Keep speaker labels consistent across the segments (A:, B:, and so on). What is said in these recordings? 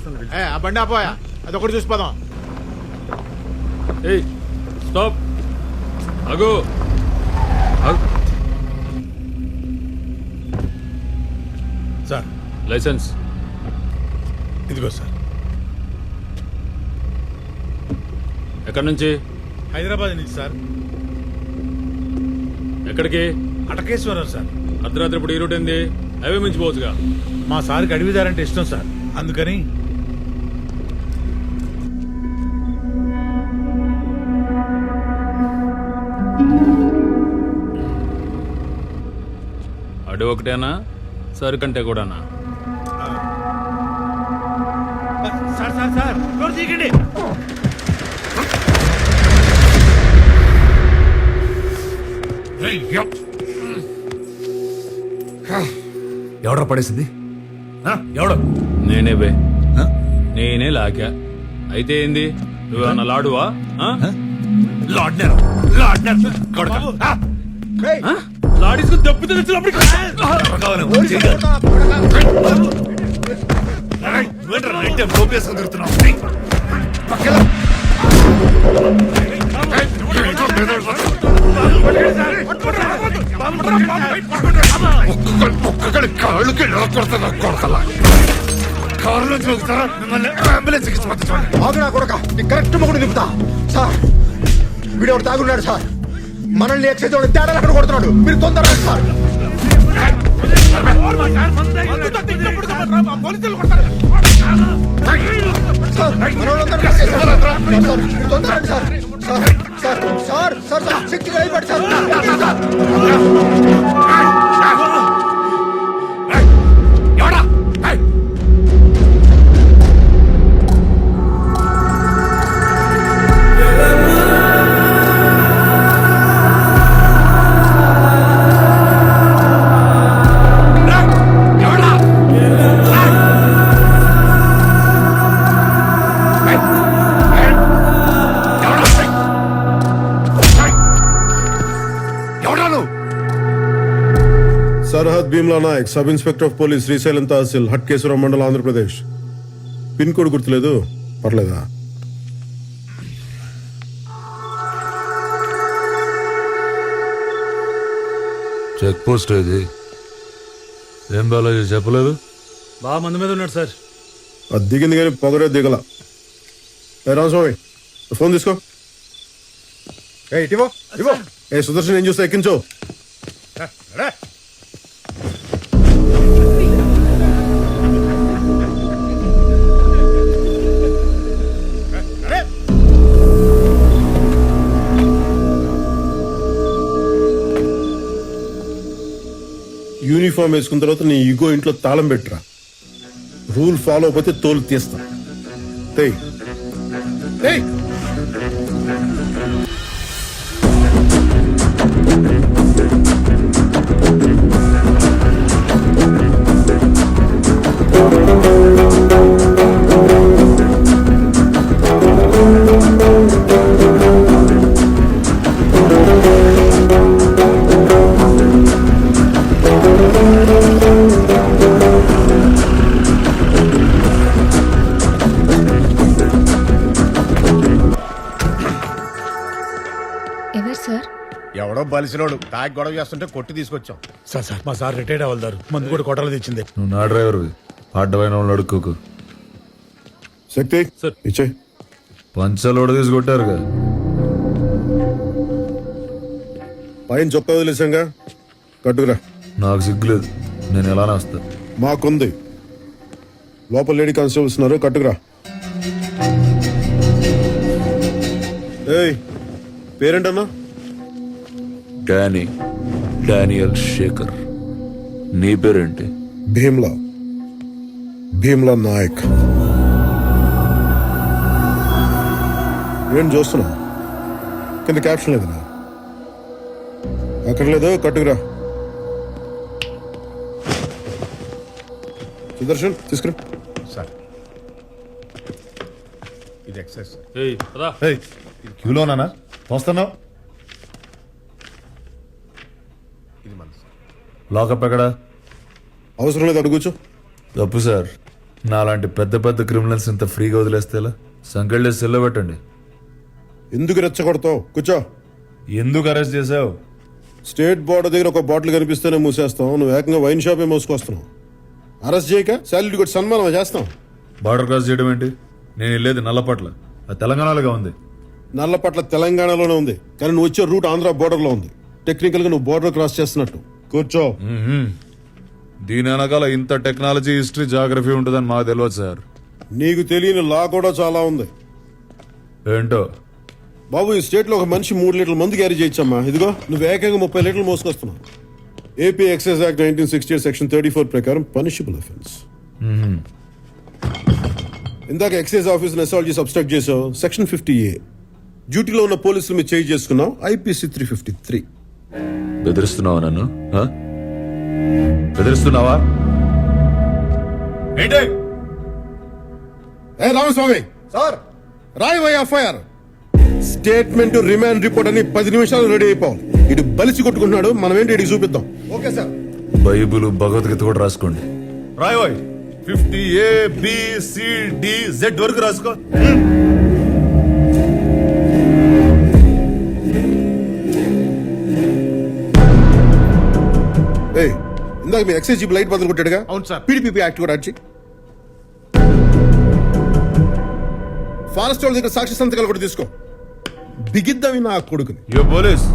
A: ఆ బండి ఆపోయా, అదొకటి చూసిపోదాం.
B: ఏయ్ స్టాప్, ఆగు.
C: సార్
B: లైసెన్స్
C: ఇదిగో సార్.
B: ఎక్కడి నుంచి?
C: హైదరాబాద్ నుంచి సార్.
B: ఎక్కడికి?
C: అటకేశ్వరం సార్.
B: అర్ధరాత్రి ఇప్పుడు ఈ రూట్ ఏంది? హైవే మించిపోవచ్చుగా.
C: మా సార్కి అడవిదారంటే ఇష్టం సార్, అందుకని.
B: అడవి ఒకటేనా, సరుకంటే కూడానా?
C: సార్ సార్ సార్ డోర్ తీయకండి.
D: ఎవడో పడేసింది? ఎవడో?
B: నేనే బే, నేనే లాగా. అయితే ఏంది, నువ్వేమన్నా లాడువా? లాడీసుకు దెబ్బ తెలిసినప్పుడు
E: కరెక్ట్ మొగుడు నింపుతా సార్. వీడు తాగున్నాడు సార్, మనల్ని ఎక్సైజ్ తేడా అక్కడ కొడుతున్నాడు. మీరు తొందరగా సార్.
F: सरहद Bheemla Nayak sub inspector of police Srisailam तहसील हटकेश्वरम मंडल आंध्र प्रदेश पिन कोड गुर्तुलेदु पर्लेदा
D: చెక్ పోస్ట్ ఇది ఏం బాలాజీ చెప్పలేదు?
C: బాగా మంది మీద ఉన్నాడు సార్.
F: అది దిగింది కానీ పొగరే దిగల. రామస్వామి ఫోన్ తీసుకో. ఇటివో ఇవో. ఏ సుదర్శన్ ఏం చూస్తే ఎక్కించో. యూనిఫామ్ వేసుకున్న తర్వాత నీ ఈగో ఇంట్లో తాళం పెట్టురా. రూల్ ఫాలో అయిపోతే తోలు తీస్తా.
G: ఎవరు సార్?
A: ఎవడో బలిసినోడు తాగి గొడవ చేస్తుంటే కొట్టి తీసుకొచ్చాం.
C: సార్ సార్ మా సార్ రిటైర్డ్ అవ్వదారు, మందు కూడా కొట్టాలి తెచ్చింది.
D: నువ్వు నా డ్రైవర్ అడ్డమైన వాళ్ళు అడుక్కోకు.
F: శక్తి ఇచ్చే
D: పంచలోడ తీసుకొట్టారుగా.
F: పైన చొక్కా వదిలేసాంగా, కట్టుకురా.
D: నాకు సిగ్గులేదు, నేను ఎలానే వస్తా.
F: మాకుంది. లోపల లేడీ కానిస్టేబుల్స్ ఉన్నారు, కట్టుకురా. ఏయ్ పేరేంటన్నా?
D: డానియల్ శేఖర్. నీ పేరేంటి?
F: భీమ్లా నాయక్. ఏం చూస్తున్నా? కింద క్యాప్షన్ లేదన్నా? అక్కడ లేదు, కట్టుకురా. సుదర్శన్ తీసుకురా.
A: సార్ ఇది ఎక్సైజ్ సార్.
H: క్యూలోనా వస్తున్నావు?
A: ఇది మన సార్.
D: లాకప్ ఎక్కడా?
F: అవసరం లేదు, అడుగుచు.
D: తప్పు సార్, నాలాంటి పెద్ద పెద్ద క్రిమినల్స్ ఇంత ఫ్రీగా వదిలేస్తే ఎలా? సంకెళ్ళే సెల్లో పెట్టండి.
F: ఎందుకు రెచ్చగొడతావు? కూర్చో.
D: ఎందుకు అరెస్ట్ చేసావు?
F: స్టేట్ బోర్డర్ దగ్గర ఒక బాటిల్ కనిపిస్తేనే మూసేస్తాం. నువ్వు ఏకంగా వైన్ షాపే మోసుకొస్తున్నావు. అరెస్ట్ చేయక శాలరీ కొట్టి సన్మానం చేస్తాం.
D: బార్డర్ క్రాస్ చేయడం ఏంటి? నేను వెళ్ళేది నల్లపట్ల, అది తెలంగాణలోగా ఉంది.
F: నల్లపట్ల తెలంగాణలోనే ఉంది, కానీ నువ్వు వచ్చే రూట్ ఆంధ్ర బోర్డర్లో ఉంది. టెక్నికల్ గా నువ్వు బోర్డర్ క్రాస్ చేస్తున్నట్టు. కూర్చో.
D: దీని వెనకాల ఇంత టెక్నాలజీ, హిస్టరీ, జాగ్రఫీ ఉంటుందని మాకు తెలియదు సార్.
F: నీకు తెలియని లా కూడా చాలా ఉంది
D: ఏంటో?
F: బాబు, ఈ స్టేట్ లో ఒక మనిషి 3 లీటర్ల మందు క్యారీ చేయొచ్చమ్మా. ఇదిగో నువ్వు ఏకంగా 30 లీటర్లు మోసుకొస్తున్నావు. ఏపీ ఎక్సైజ్ యాక్ట్ 1968 సెక్షన్ 34 ప్రకారం పనిషబుల్ అఫెన్స్. ఇందాక ఎక్సైజ్ ఆఫీస్ అసాల్ట్ చేసి అబ్స్ట్రాక్ట్ చేసావు, సెక్షన్ 50A. డ్యూటీలో ఉన్న పోలీసులు మీరు చేంజ్ చేసుకున్నావు, ఐపీసీ 353.
D: బెదిరిస్తున్నావా నన్ను? బెదిరిస్తున్నావా? ఏంటి?
F: ఏ రామస్వామి,
E: సార్
F: రాయ్ ఎఫ్ఐఆర్, స్టేట్మెంట్, రిమాండ్ రిపోర్ట్ అని 10 నిమిషాలు రెడీ అయిపోవాలి. ఇటు బలిసి కొట్టుకుంటున్నాడు, మనం ఏంటి ఇటు చూపిద్దాం.
E: Okay sir.
D: బైబుల్, భగవద్గీత కూడా రాసుకోండి. రాయ్ 50A BCD Z వరకు రాసుకో.
F: ఏ ఇందాక మీ ఎక్సైజ్ జీప్ లైట్ బదులు కొట్టాడుగా?
A: అవును సార్.
F: పీడీపీ యాక్ట్ కూడా వచ్చి ఫారెస్ట్ వాళ్ళ దగ్గర సాక్షి సంతకాలు కూడా తీసుకో. బిగిద్దామి నా కొడుకుని.
D: యో పోలీస్,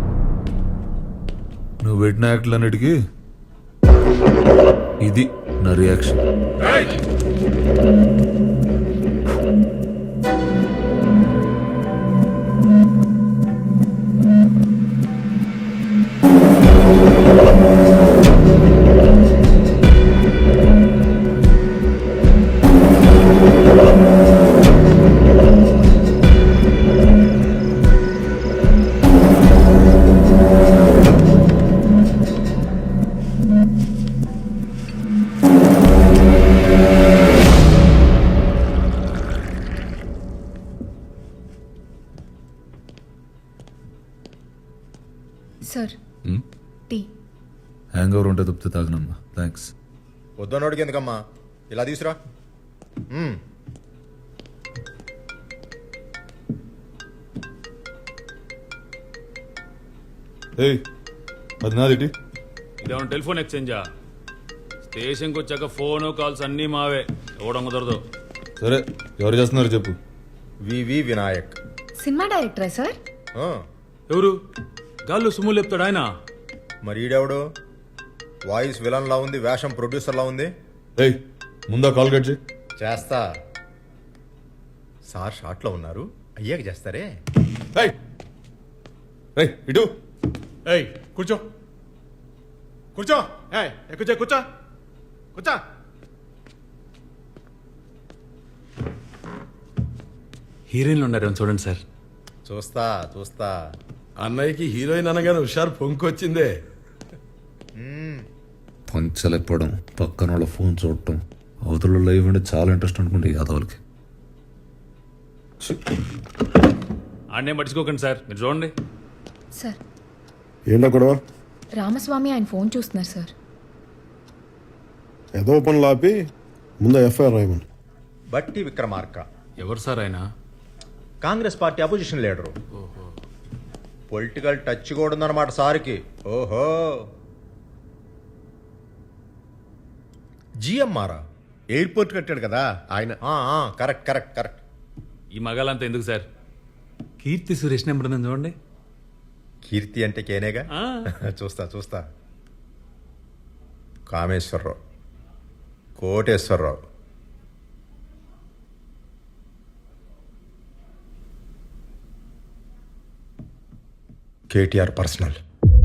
D: నువ్వు పెట్టిన యాక్ట్లన్నిటికీ ఇది నా reaction.
G: Sir tea.
D: Hangover ఉంటే తప్పితే తాగనమ్మా. థ్యాంక్స్.
E: వద్దనోడికి ఎందుకమ్మా, ఇలా తీసురా.
D: ఏయ్, అది నాది.
B: ఇదేమన్నా టెలిఫోన్ ఎక్స్చేంజా? స్టేషన్కి వచ్చాక ఫోను కాల్స్ అన్నీ మావే, ఇవ్వడం కుదరదు.
D: సరే, ఎవరు చేస్తున్నారు చెప్పు.
E: వివి వినాయక్.
G: సినిమా డైరెక్టరా సార్?
E: ఆ,
B: ఎవరు? గాల్లో సుమ్ములు చెప్తాడు ఆయన.
E: మరి ఈడెవడు? వాయిస్ విలన్ లా ఉంది, వేషం ప్రొడ్యూసర్ లా ఉంది.
D: ఏయ్, ముందా కాల్ కట్ చేయి.
E: చేస్తా సార్. షార్ట్ లో ఉన్నారు, అయ్యాక చేస్తారే.
D: ఏయ్, ఏయ్, ఇటు.
A: ఏయ్ కూర్చో, కూర్చో. ఏయ్ కూర్చో, కూర్చో, కూర్చో.
B: హీరోయిన్లు ఉన్నారు చూడండి సార్.
E: చూస్తా చూస్తా.
I: అన్నయ్యకి హీరోయిన్ అనగానే హుషారు పొంకొచ్చిందే.
D: పంచలేకపోవడం, పక్కన వాళ్ళ ఫోన్ చూడటం, అవతల లైవ్ అంటే చాలా ఇంట్రెస్ట్ అనుకుంటే యాదవులకి.
B: ఆడనే పట్టించుకోకండి సార్, మీరు చూడండి.
G: సార్,
F: ఏంటో గొడవ?
G: రామస్వామి ఆయన ఫోన్ చూస్తున్నారు సార్.
F: ఏదో పనులు ఆపి ముందు ఎఫ్ఐఆర్ రాయమని.
E: బట్టి విక్రమార్క,
B: ఎవరు సార్ ఆయన?
E: Congress party opposition leader. Political touch కూడా ఉందన్నమాట సార్కి. ఓహో, జిఎంఆర్
A: ఎయిర్పోర్ట్ కట్టాడు కదా ఆయన.
E: Correct correct correct.
B: ఈ మగాలంతా ఎందుకు సార్? కీర్తి సురేష్ నెంబర్ ఉందని చూడండి.
E: కీర్తి అంటే కేనేగా. చూస్తా చూస్తా. Kameswara Rao, Koteswara Rao, KTR personal.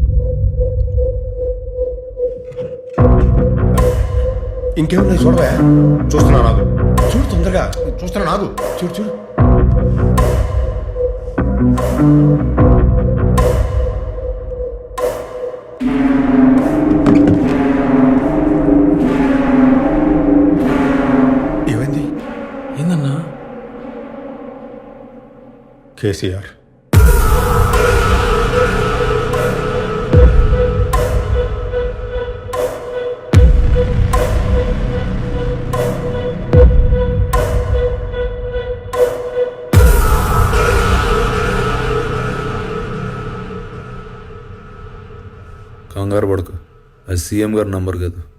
E: ఇంకేమున్నాయి చూడవా? చూస్తున్నా నాగు. చూడు తొందరగా, చూస్తున్నా నాగు. చూడు చూడు. ఏమైంది?
B: ఏందన్నా?
E: కేసీఆర్.
D: కంగారు పడకు అది సీఎం గారి నంబర్ కాదు